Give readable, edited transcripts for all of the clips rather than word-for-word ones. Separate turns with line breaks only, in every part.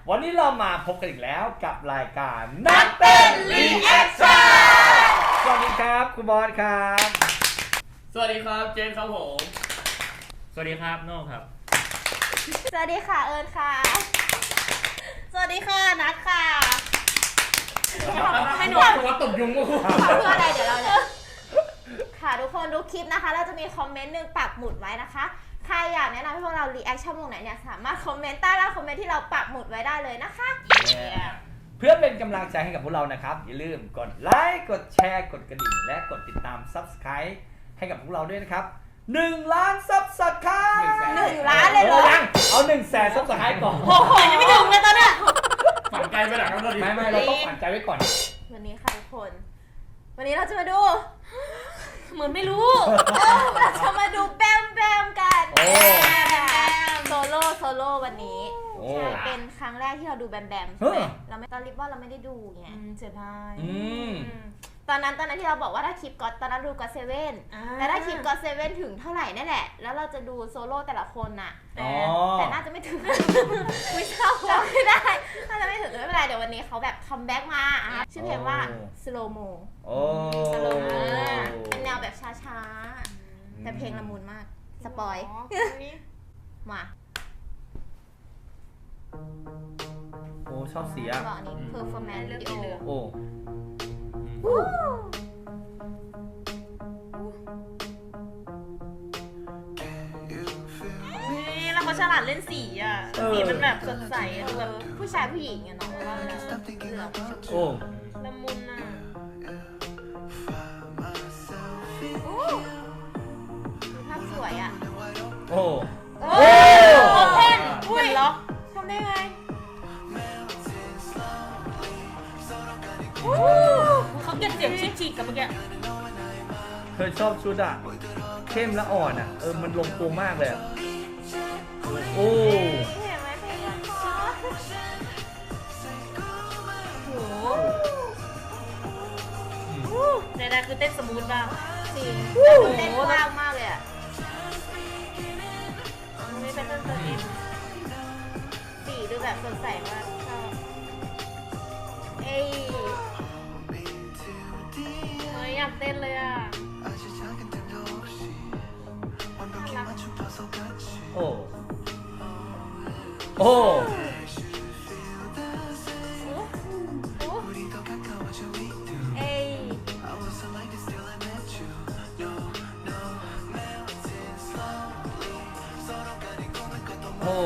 วันนี้เรามาพบกันอีกแล้วกับรายการนักเต้นรีแอคชั่นสวัสดีครับคุณบอสครับ
สวัสดีครับเจนครับผม
สวัสดีครับโน่ครับ
สวัสดีค่ะเอิญค่ะสวัสดีค่ะนัทค่ะ
ให้หนูว่าตบยุงก็คือ
เพื่ออะไรเดี๋ยวเราจะค่ะทุกคนดูคลิปนะคะเราจะมีคอมเมนต์หนึ่งปักหมุดไว้นะคะใครอยากแนะนำให้พวกเรารีแอคชั่นวงไหนเนี่ยสามารถคอมเมนต์ใต้ล่างคอมเมนต์ที่เราปักหมุดไว้ได้เลยนะคะ
เพื่อเป็นกำลังใจให้กับพวกเรานะครับอย่าลืมกดไลค์กดแชร์กดกระดิ่งและกดติดตาม Subscribe ให้กับพวกเราด้วยนะครับ1 ล้าน Subscribe
1 ล้านเลยเหรอ
เอา100,000 Subscribe ก่อน
โอ้โหยังไม่ถึงเลยตอนเนี้ย
ฝันไกลไปหลังกันเลย
ไม่เราต้องฝันใจไว้ก่อน
วันนี้ค่ะทุกคนวันนี้เราจะมาดูเหมือนไม่รู้เราจะมาดูแบมกันโซโล่วันนี้เป็นครั้งแรกที่เราดูแบมใช่ไหมเราไม่ตอนริบว่าเราไม่ได้ดูไงเสียดายตอนนั้นที่เราบอกว่าถ้าคลิปก็ตอนนั้นดูก็7แต่ถ้าคลิปก็7ถึงเท่าไหร่นั่นแหละแล้วเราจะดูโซโล่แต่ละคนน่ะแต่น่าจะไม่ถึงไม่เท่าจำไม่ได้น่าจะไม่ถึงไม่เป็นไรเดี๋ยววันนี้เขาแบบคัมแบ็กมาชื่อเพลงว่า Slow Mo เป็นแนวแบบช้าๆแต่เพลงละมุนมากสปอยมา
โอ้ชอบเสีย
บอกอันนี้ performance เรื่องเลย
โอ้
แล้วเขาฉลาดเล่นสีอ่ะสีมันแบบสดใสดูแบบผู้ชายผู้หญิงอะเนาะว่าเหลือง
โอ้
ละมุนอ่ะภาพสวยอ่ะ
โอ้
โอเพนอุ้ยเหรอทำได้ไงเขาเก็บเสียงชิคๆกับเมื่อกี้
เธอชอบชุดอ่ะเข้มและอ่อนอ่ะมันลงตัวมากเลยโอ้
เห็นไหมเพลงโอ้ในนั้นคือเต้นสมูทบ้างจริงเต้นกว้างมากเลยอ่ะไม่เป็นตัวเองสีดูแบบสดใสมากชอบเอ้ยอยากเต้นเลยอ่ะ
โอ้โอ้
เอ้ย
โอ้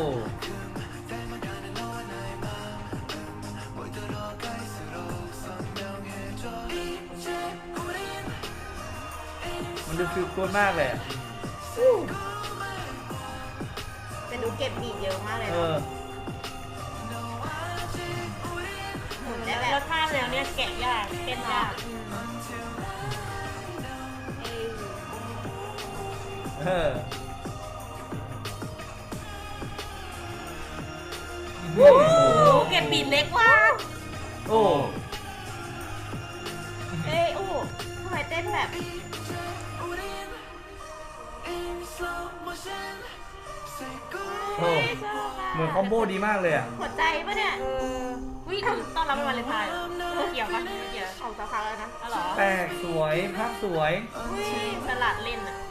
มันดูฟิลกู๊ดมากเลย
แต่ดูเก็บบีทเยอะมากเลยหมุนได้แบบแล้วท่าแนวเนี้ยแกะยากเต้นยากโอ้เก็บบีทเล็กว่ะ
โอ้
โอ้ทำไมเต้นแบบ
โอ้เหมือนคอมโบดีมากเลยอ่ะ
หัวใจปะเนี่ยวิ่งต้องรับเป็นวันเลนไทน์เกี่ยวปะเกี่ยวออกสักพักแล้วนะอ๋อเหรอ
แปลกสวยภาพสวย
สลัดเล่นอ่ะ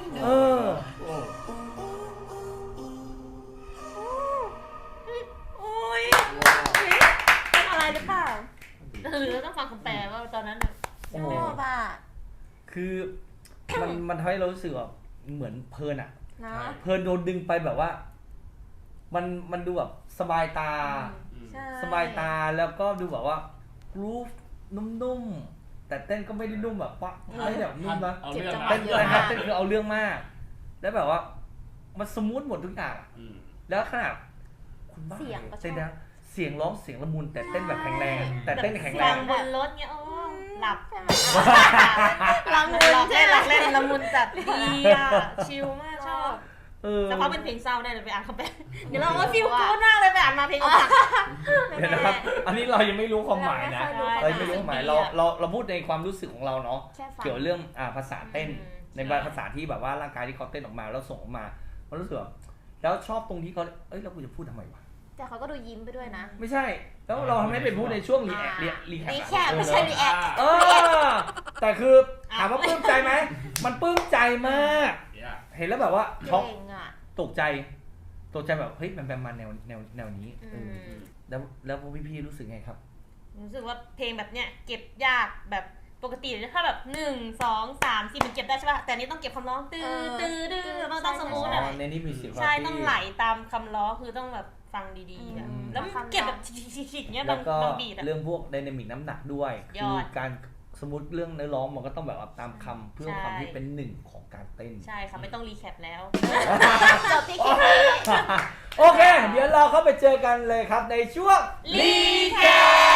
โอ้ยเป็นอะไรหรือเปล่าหรือต้องฟังคำแปลว่าตอนนั้นชอบอ่ะ
คือมันทำให้เรารู้สึกแบบเหมือนเพลินอ่ะเพลินโดนดึงไปแบบว่ามันดูแบบสบายตาแล้วก็ดูแบบว่ากรูฟนุ่มๆแต่เต้นก็ไม่ได้นุ่มแบบว่าไม่แบบนุ่มนะเต้นคือเอาเรื่องมากแล้วแบบว่ามันสมูทหมดทุกอย่างแล้วขนาดคุณบ้าเต้นนะเสียงร้องเสียงละมุนแต่เต้นแบบแข็งแรงแต่เต้นแข็งแรง
บนรถเงี้ยหลับใช่ไหมละมุนเล่นละมุนจัดดีอ่ะชิลมากชอบแต่เขาเป็นเพลงเศร้าได้เลยไปอ่านเขาไปเดี๋ยวเราก็ฟิลกู๊ดมากเลยไปอ่านมาเพลงอกหัก
เดี๋ยวนะครับอันนี้เรายังไม่รู้ความหมายนะเราไม่รู้ความหมายเราพูดในความรู้สึกของเราเนาะเกี่ยวเรื่องภาษาเต้นในภาษาที่แบบว่าร่างกายที่เขาเต้นออกมาแล้วส่งออกมาเรารู้สึกแล้วชอบตรงที่เขาแล้วกูจะพูดทำไมวะ
แต่เขาก็ดูยิ้มไปด้วยนะ
ไม่ใช่แล้วเราทำให้เป็นพูดในช่วงรีแอค
รีแคปไม่ใช่รีแอค
แต่คือถามว่าปลื้มใจไหมมันปลื้มใจมาก เห็นแล้วแบบว่าช็อก
เก่งอ่ะ
ตกใจแบบเฮ้ยมันมาแนวนี้แล้วพวกพี่ๆรู้สึกไงครับ
รู้สึกว่าเพลงแบบเนี้ยเก็บยากแบบปกติถ้าแบบ1 2 3 4มันเก็บได้ใช่ป่ะแต่นี่ต้องเก็บคำร้องตื้อมันต้องสมูทอะ
ในนี้มีเสียง
ใช่ต้องไหลตามคำร้องคือต้องแบบฟังดีๆอะแล้วมันเก็บแบบชิกๆเนี้ย
แล้วก็
บางบีทอะ
เรื่องพวกไดนามิกน้ำหนักด้วย
ย
คือ
อด
การสมมติเรื่องเนื้อร้องมันก็ต้องแบบว่าตามคำเพื่อ
ใช่
ความที่เป็นหนึ่งของการเต้น
ใช่ค่ะไม่ต้องรีแคปแล้ว
จบที่แค่นี้
โอเค เดี๋ยวเราเข้าไปเจอกันเลยครับในช่วง
รีแคป